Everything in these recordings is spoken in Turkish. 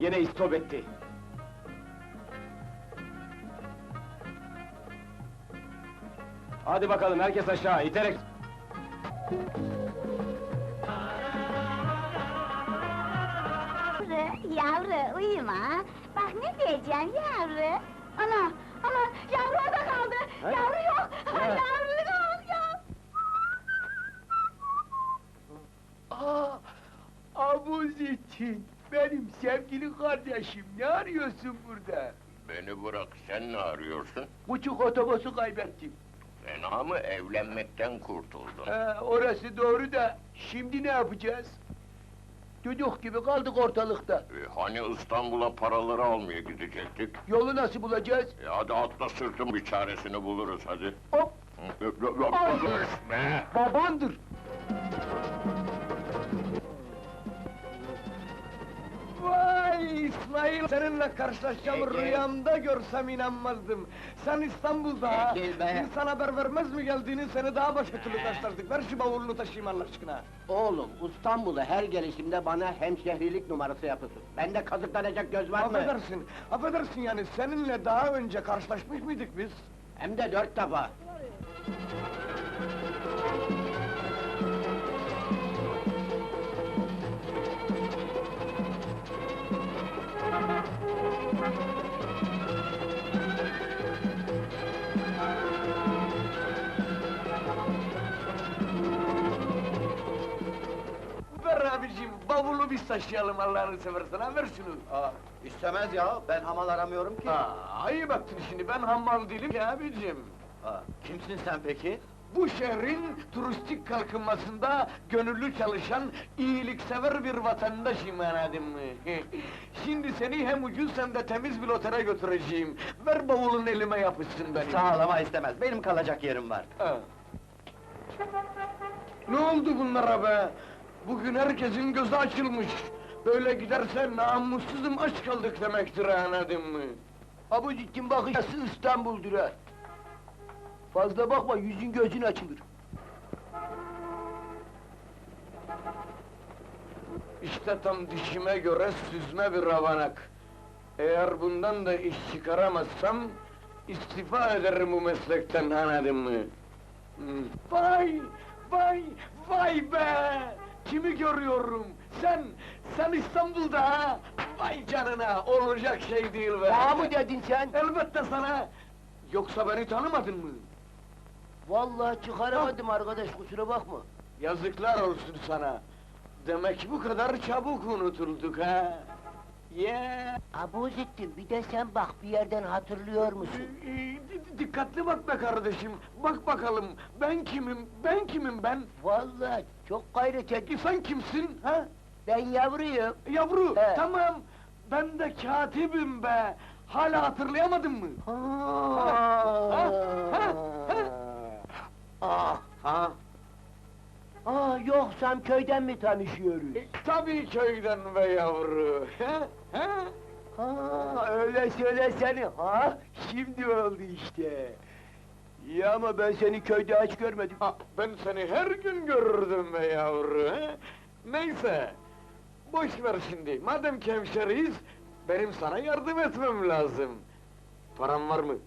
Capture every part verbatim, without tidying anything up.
Yine istop etti. Hadi bakalım, herkes aşağı, iterek! Yavru, yavru, uyuma! Bak ne diyeceğim yavru! Ana, ana, yavru orada kaldı! Ha? Yavru yok! Ha? Yavru yok, yok! Aa, Abuzettin, benim sevgili kardeşim, ne arıyorsun burada? Beni bırak, sen ne arıyorsun? Buçuk otobüsü kaybettim. Fena mı, evlenmekten kurtuldun? Ha, orası doğru da, şimdi ne yapacağız? Düdük gibi kaldık ortalıkta. E, hani İstanbul'a paraları almaya gidecektik? Yolu nasıl bulacağız? E, hadi atla sırtım, bir çaresini buluruz hadi. Hop! Hı, öp, öp, öp, Ay! Öpme! Babandır! Vay İsmail! Seninle karşılaşacağım Çekil. rüyamda görsem inanmazdım. Sen İstanbul'da, Çekil be! insan haber vermez mi geldiğini, seni daha başka türlü taşlardık. Ver şu bavulunu taşıyayım Allah aşkına. Oğlum, İstanbul'a her gelişimde bana hemşehrilik numarası yapıyorsun. Bende kazıklanacak göz var mı? Affedersin, affedersin yani, seninle daha önce karşılaşmış mıydık biz? Hem de dört defa. Ver abicim, bavulu biz taşıyalım Allah'ını seversen, ha, ver şunu! Aa, istemez ya, ben hamal aramıyorum ki. Aa, ayıp ettin şimdi, ben hammal değilim ki abicim! Aa, kimsin sen peki? Bu şehrin turistik kalkınmasında gönüllü çalışan, iyiliksever bir vatandaşım anladın mı? Şimdi seni hem ucuz hem de temiz bir otele götüreceğim. Ver bavulun elime yapışsın benim. Sağ ol ama istemez, benim kalacak yerim var. Ha. Ne oldu bunlara be? Bugün herkesin gözü açılmış. Böyle giderse namussuzum, aç kaldık demektir anladın mı? Abuzettin bakışası İstanbul'dur ha! Fazla bakma, yüzün gözün açılır. İşte tam dişime göre süzme bir avanak. Eğer bundan da iş çıkaramazsam, istifa ederim bu meslekten anladın mı? Hmm. Vay! Vay! Vay be! Kimi görüyorum? Sen! Sen İstanbul'da ha! Vay canına! Olacak şey değil be! Bana mı dedin sen? Elbette sana! Yoksa beni tanımadın mı? Vallahi çıkaramadım arkadaş, kusura bakma. Yazıklar olsun sana! Demek bu kadar çabuk unutulduk ha! Ya! Abuzettin, bir de sen bak, bir yerden hatırlıyor musun? Ee, di- Dikkatli bak be kardeşim! Bak bakalım, ben kimim, ben kimim ben? Vallahi çok gayret ettim. E, sen kimsin, ha? Ben yavruyum. Yavru, He. tamam! Ben de katibim be! Hala hatırlayamadın mı? Ha, ha, ha, ha. Ah, Ha? aa, yoksam köyden mi tanışıyoruz? E, tabii köyden be yavru! Ha? Ha? Ha, öyle söylesene, ha? Şimdi oldu işte. İyi ama ben seni köyde hiç görmedim. Ha, ben seni her gün görürdüm be yavru! Ha? Neyse! Boş ver şimdi, madem ki hemşeriyiz, benim sana yardım etmem lazım. Param var mı?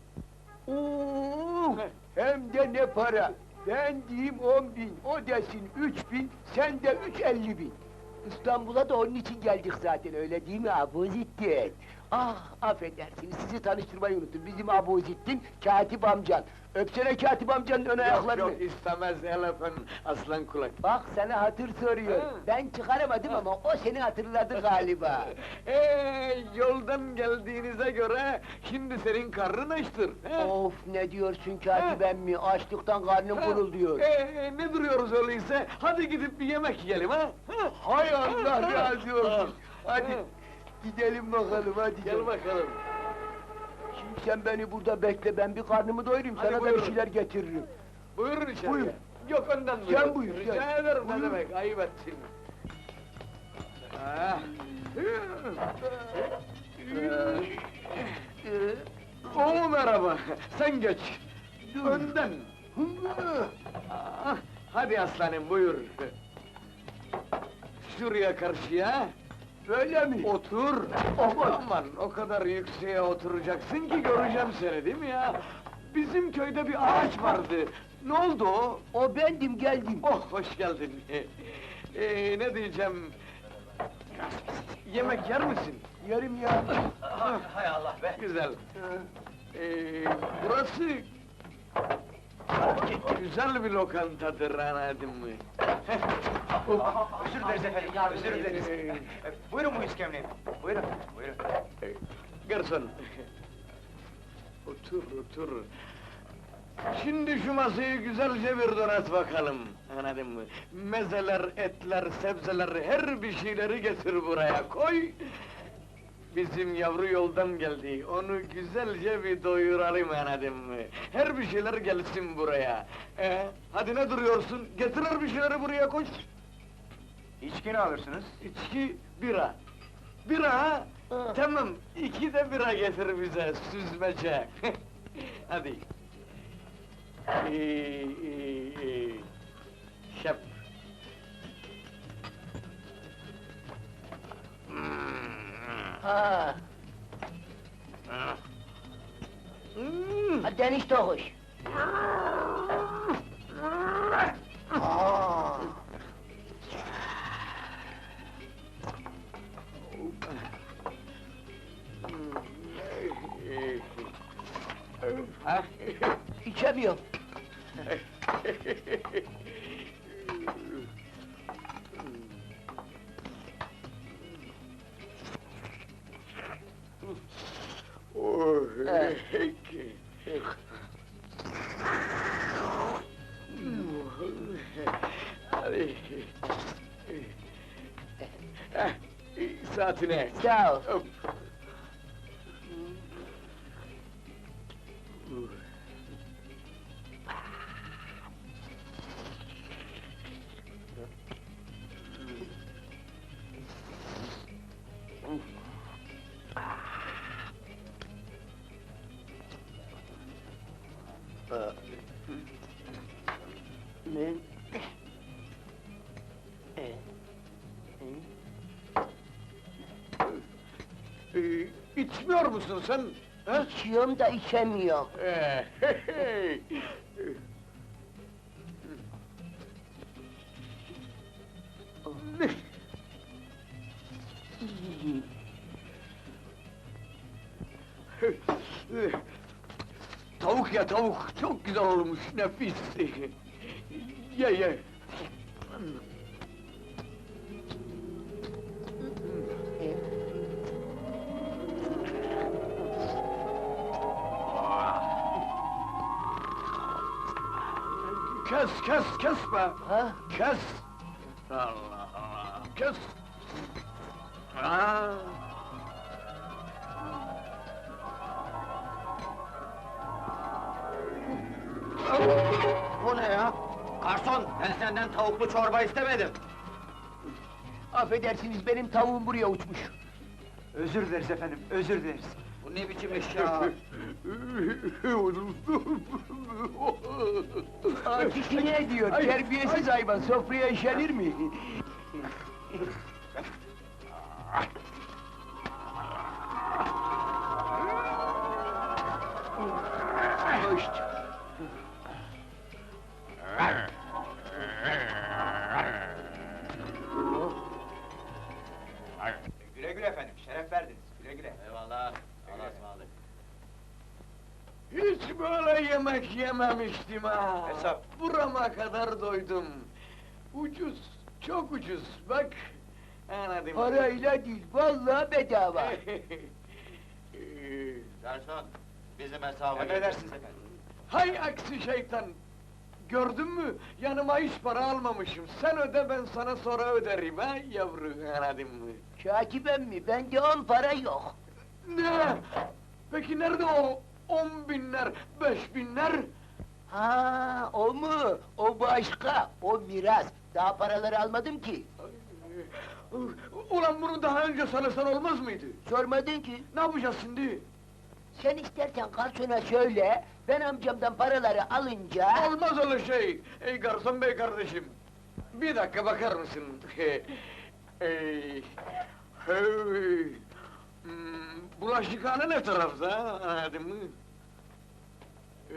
Oo, hem de ne para! Ben diyeyim on bin, o desin üç bin, sen de üç elli bin. İstanbul'a da onun için geldik zaten, öyle değil mi Abuzettin? Ah, affedersiniz, sizi tanıştırmayı unuttum. Bizim Abuzettin, Katip amcan. Öpsene Katip amcanın ön Yok ayaklarını. yok, istemez el öpen aslan kulak. Bak, sana hatır soruyor. Ha. Ben çıkaramadım ama o seni hatırladı galiba. Ee, yoldan geldiğinize göre, şimdi senin karnın açtır. he? Of, ne diyorsun Katip emmi? Açlıktan karnım kurul diyor. Ee, ne duruyoruz öyleyse? Hadi gidip bir yemek yiyelim ha? Ha? Hay Allah Ha? razı olsun! Ha. Hadi, Ha. gidelim bakalım, hadi Gel canım. bakalım. Şimdi sen beni burada bekle, ben bir karnımı doyurayım, Hadi sana da buyurun. bir şeyler getiririm. Buyurun içeri. Buyur. Yok önden Sen buyurun. buyur, Rica sen. ederim, ne Buyur. demek, ayıp ettin. Ah. Oo merhaba, sen geç. Önden. Ah, hadi aslanım, buyur. Şuraya karşıya. Böyle mi? Otur! Aman, o kadar yükseğe oturacaksın ki göreceğim seni, değil mi ya? Bizim köyde bir ağaç vardı. Ne oldu o? O bendim, geldim. Oh, hoş geldin! Ee, ne diyeceğim? Yemek yer misin? Yarım ya. Hay Allah be! Güzel! Ee, burası... Güzel bir lokantadır, anladın mı? Özür dileriz efendim, özür dileriz. E, buyurun bu iskemleyi. Buyurun, buyurun. Ee, Garson! Otur, otur! Şimdi şu masayı güzelce bir donat bakalım, anladın mı? Mezeler, etler, sebzeler, her bir şeyleri getir buraya, koy! Bizim yavru yoldan geldi, onu güzelce bir doyuralım, anladın mı? Her bir şeyler gelsin buraya! Ee, hadi ne duruyorsun? Getir her bir şeyleri buraya, koş! İçki ne alırsınız? İçki, bira! Bira ha? Tamam, iki de bira getir bize, süzmece! Hadi! Ee, ee, ee, şap! Ha, Hmm. hadi enişte hoş. Aa. Ha? İçemiyorum. Oh, Eh. Hadi. Eh, saatine. Sağ ol. Hop. Ne? Ee, içmiyor musun sen? Ha? İçiyorum da içemiyorum. Ee, hey, hey. Tavuk ya tavuk, çok güzel olmuş, nefis! Ye ye! Kes, kes, kes be! Ha? Kes! Allah Allah! Kes! Aa! Bu ne ya? Garson, ben senden tavuklu çorba istemedim. Affedersiniz, benim tavuğum buraya uçmuş. Özür dileriz efendim, özür dileriz. Bu ne biçim iş ya? Akisi ne diyor? Ay, Terbiyesiz hayvan, sofraya işenir mi? Hoş. Güle güle efendim, şeref verdiniz. Güle güle. Eyvallah, Allah'a ısmarladık. Hiç böyle yemek yememiştim ha! Hesap. Burama kadar doydum! Ucuz, çok ucuz, bak! Anladım. Parayla değil, vallahi bedava. Garson, bizim hesaba Emredersiniz efendim. Hay aksi şeytan! Gördün mü? Yanıma hiç para almamışım. Sen öde, ben sana sonra öderim ha yavru, anladın mı? Şakibem mi? Bende on para yok. Ne? Peki nerede o on binler, beş binler? Ha, o mu? O başka, o miras. Daha paraları almadım ki. Ulan bunu daha önce söylesen olmaz mıydı? Sormadın ki. Ne yapacağız şimdi? Sen istersen garsona söyle, ben amcamdan paraları alınca... Olmaz öyle şey! Ey garson bey kardeşim! Bir dakika bakar mısın? Ey, Hey! Hmm, bulaşıkhane ne tarafta, anladın mı? Ee,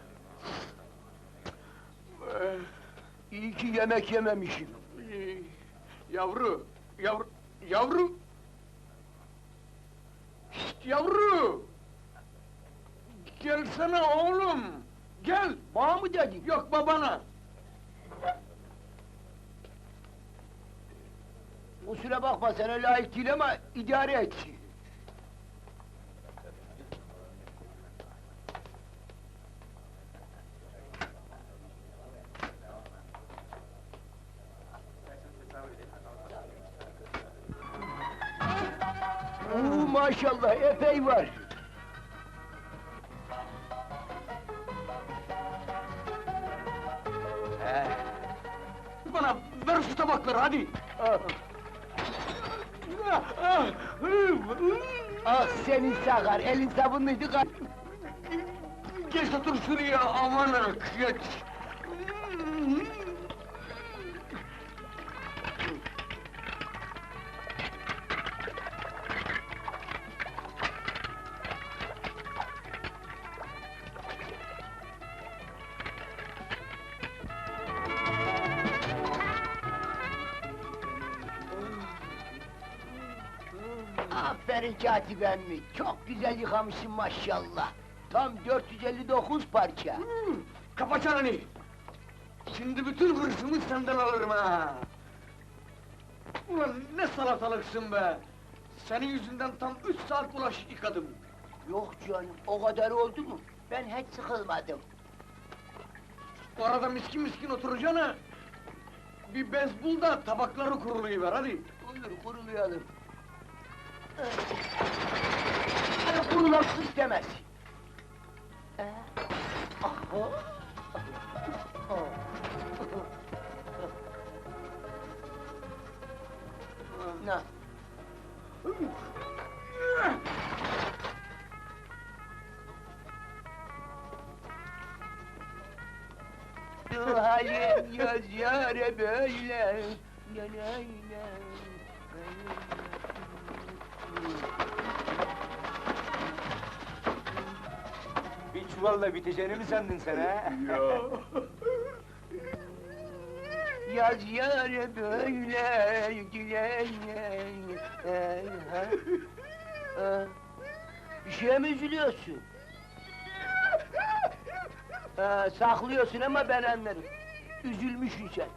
eh, İyi ki yemek yememişim. eh, Yavru, yavru, yavru! Şşt, yavru! Gelsene oğlum! Gel! Bana mı dedin? Yok babana! Kusura bakma, sana layık değil ama idare et. Oo, maşallah, epey var. Bana ver şu tabakları hadi! Ah, Ah, ah, ah senin sakar, elin sabunluydu kal. Geç otur şuraya, amanık, geç! Aferin Katip emmi, çok güzel yıkamışsın maşallah. Tam dört yüz elli dokuz parça. Hmm, Kapa çeneni! Şimdi bütün hırsımı senden alırım ha! Ulan ne salatalıksın be! Senin yüzünden tam üç saat bulaşık yıkadım! Yok canım, o kadar oldu mu? Ben hiç sıkılmadım. Orada miskin miskin oturacağına... Bir bez bul da tabakları kurulayıver hadi! Olur, kurulayalım. Hani kurulasın istemez. Ee, aha. Na. Halim yaz yâre böyle. Ne ne ne. Bir çuvalla biteceğini mi sandın sen ha? Yaz yâre böyle dileyim. Bir şeye mi üzülüyorsun? Ha, saklıyorsun ama ben anlarım. Üzülmüşsün sen.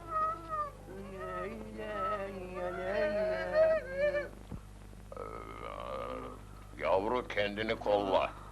Yavru kendini kolla.